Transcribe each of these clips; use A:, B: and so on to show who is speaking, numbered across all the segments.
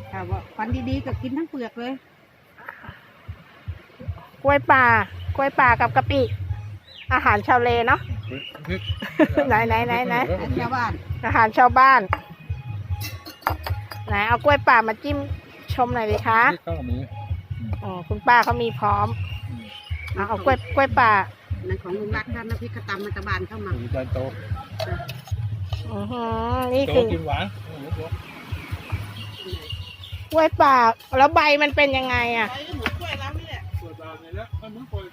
A: ถ้าว่าฟันดีๆก็กินทั้งเปลือกเลย
B: กล้วยป่ากับกะปิอาหารชาวเลเนาะ ไหน
A: ชาวบ้าน
B: อาหารชาวบ้านไหนเอากล้วยป่ามาจิ้มชมหน่อยดิคะ
C: ก็มี
B: อ๋อคุณป้าเขามีพร้อมเอากล้วยป่า
A: นั่นของลุงรักท่านน้ำพริกกระตำมันตะบานเข้ามา
C: จานโต
B: นี่
C: โต
B: คือ
C: กินหวาน
B: กล้วยป่าแล้วใบมันเป็นยังไงอ่ะ
A: ไปเหมือนกล้วยแล้วนี่แหละ
C: เปิดตาเนี่ยแล้วมันมึงปล่อย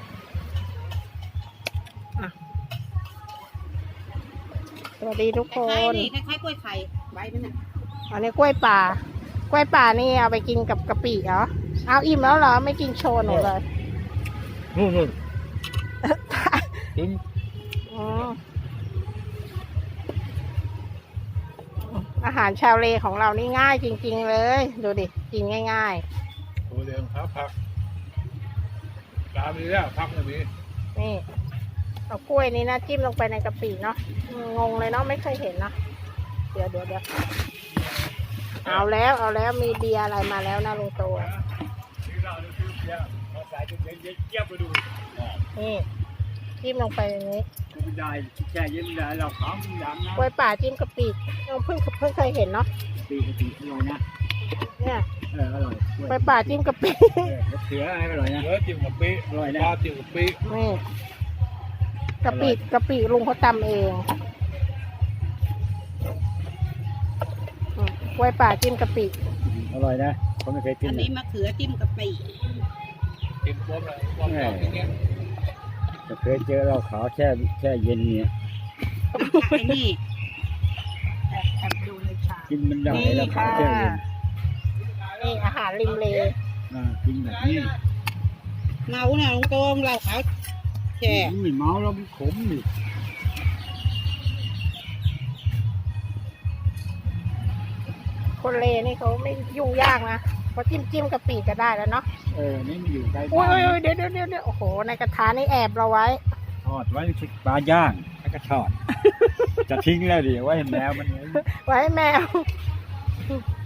B: สวัสดีทุกค
A: คล้าย
B: น
A: ๆนี่คล้ายๆกล้วยไข่ใบมันน่ะ
B: อันนี้กล้วยป่านี่เอาไปกินกับกะปิเหรอเอาอิ่มแล้วเหรอไม่กินโชว์หนูเลย
C: นู่นกิน
B: อืมอาหารชาวเลของเรานี่ง่ายจริงๆเลย ดูดิกินง่าย
C: โอ้เดี๋ยวพักตามนี้แล้วพักอย่างนี้
B: ๆนี่เอากล้วยนี้นะจิ้มลงไปในกะปิเนาะงงเลยเนาะไม่เคยเห็นเนาะเดี๋ยวเอาแล้วมีเบียร์อะไรมาแล้วนะลุงโต
C: ที่เราดูเยอะเราใส่จนเย็นเจี๊ยบไปดู
B: นี่จิ้มลงไปอย่างนี้
C: ไม่ได้แช่เย็นได้เราขำอย่างนะ
B: กล้วยป่าจิ้มกะปิเพิ่งเคยเห็นเนาะ
C: ปีกติอร่อยนะ
B: เนี่ย
C: อร่อย
B: กล้วยป่าจิ้มกะปิ
C: เสืออะไรอร่อยนะเสือจิ้มกับปีอร่อยนะปลาจิ้มกับปี
B: นี่กะปิลุงเขาตำเองกล้วยป่าจิ้มกะปิ
C: อร่อยนะเขาไม่เคยกิน
A: อันนี้มะเขือจิ้มกะปิ
C: จิ้มพร้อมเลยพร้อมอย่างเงี้ย
D: เคยเจอเราขาวแช่เย็นเนี่ย
A: ไอ้นี่แอบดูในชาม
D: กินมันได้
B: นี่
D: แล้วขา
B: ค่ะ
D: วแช่เย็น
B: นี่อาหารริมเล
D: กินแบบนี้
A: เมาเนี่ยลุงโตงเราขาวแช่
D: ไม่เมาแล้วมันขมนี่
B: คนเลนี่เขาไม่ยุ่งยากนะเขาจิ้มกะปิก็ได้แล้วเนาะ
D: นี่มันอยู่ใกล้
B: อุ้
D: บ้าน
B: ยเดี๋ยวโอ้โหในกระทะนี่แอบเราไว้
D: ทอดไว้ปลาย่างแล้วก็ทอด จะทิ้งแล้วดิไว้ให้แมวมัน
B: ไว้ให้แมว